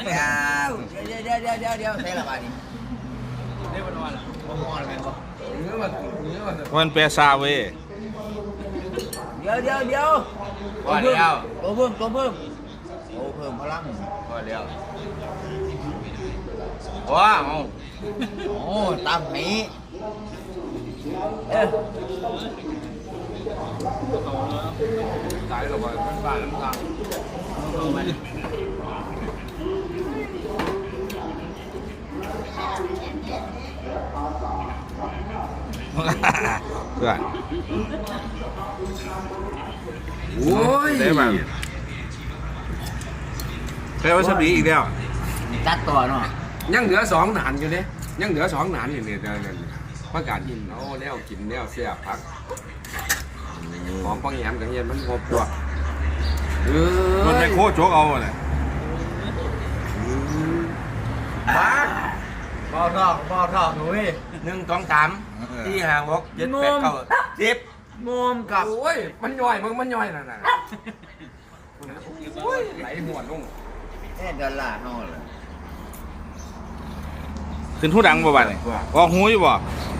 ดี๋ยวใช่ละบาทนี้ได้บนวันละบนวันอะไรบ้างมันเปซาเว้ยเดี๋ยวตัวเพิ่มพลังว่าเดี๋ยวว้าวโอ้ตามนี้ตายแล้วก็บ้านน้ำตาเพื่อนโอ้ยได้บ้างแค่ว่าสบีอีกแล้วจัดตัวเนาะยังเหลือ2 หนานอยู่เนี่ยยังเหลือ2 หนานอยู่เนี่ยประกาศกินเอาแนวกินแนวเสียพักของปังแยมกับเฮียนมันครบตัวมันไม่โคตรโจ๊กเอาเลยบ่ทอกหนุ่ย 1 2 3 4 5 6 7 8 9 10 งมกับโอ้ยมันย่อยมันย่อยน่ะโอ้ยไหลหมวดลงดอลลาร์เท่าไหร่ขึ้นหูดังบ่บ้านนี่ออกหูอยู่บ่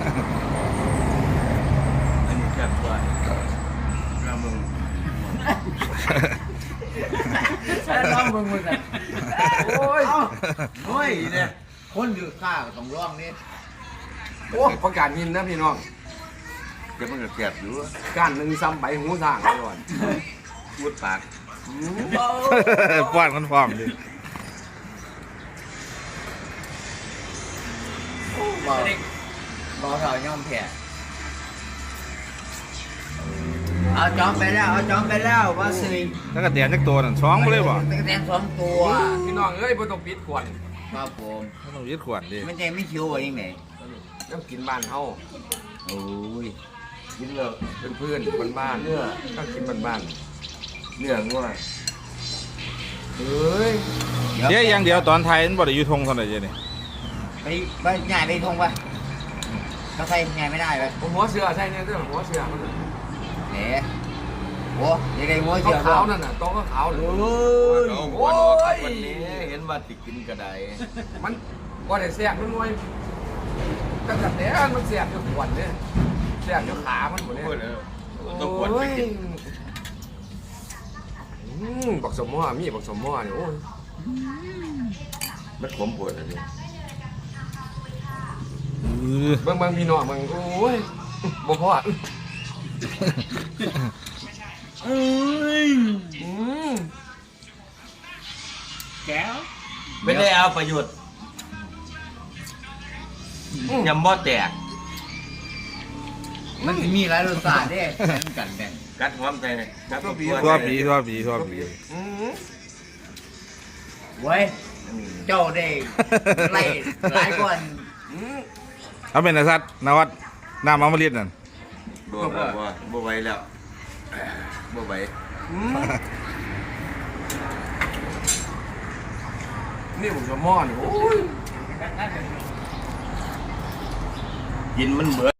อันนี้แคบกว่าเรามึงร้องมึงกันโอ้ยเนี่ยคนอยู่ข้าต้องร้องนี่โอ้ประกาศยินนะพี่น้องเดี๋ยวมันจะเก็บอยู่การหนึ่งซ้ำใบหูสร้างก่อนพูดปากป้อนกันพร้อมดิบอเราย่อมแพ้เอาจอมไปแล้วว่าสิแล้วก็แดนจักตัวนั่น2บ่เลยบ่ตะแตน2 ตัวพี่น้องเอ้ยบ่ต้องปิดขวดครับผมต้องยึดขวดดิไม่ใช่ไม่คิวอะไรยังไงต้องกินบ้านเฮาโอ้ยกินเลยเป็นเพื่อนบ้านต้องกินบ้านเนื้องัวเฮ้ยเดี๋ยวอย่างเดียวตอนไทยมันบ่ได้อยู่ทงเท่าไหร่เจ้นี่ไปใหญ่ไปทงไปเขาใส่ใหญ่ไม่ได้เลยหัวเสือใช่เนี่ยเรื่องหัวเสือมันเอ๋โอ้ยยังไงหัวเสือขาวนั่นน่ะต้องขาวเลยโอ้ยวันนี้เห็นว่าติดกินกระไดมันว่าได้แสบมันมวยตั้งแต่มันแสบอยู่ขวดเนี่ยแสบอยู่ขามันหมดเลยต้องขวดไปกินบักสมม้อมีบักสมม้อเนี่ยโอ้ยมันขมปวดอะไรบางพี่น้องบางโอ้ยบ่พอแก้วไม่ได้เอาประโยชน์ยำบ่แตกมันมีหลายรสชาติเด้กันแบ่งกัดหอมใจกัดทั่วปีเว้ยเจ้าได้ไล่หลายคนเอาเป็นนสัตว์นวัดน้ำอมฤตนั่นบ่ไหวแล้วบ่ไหวนี่ผมจะม่อนโอ้ยกินมันเบื่อ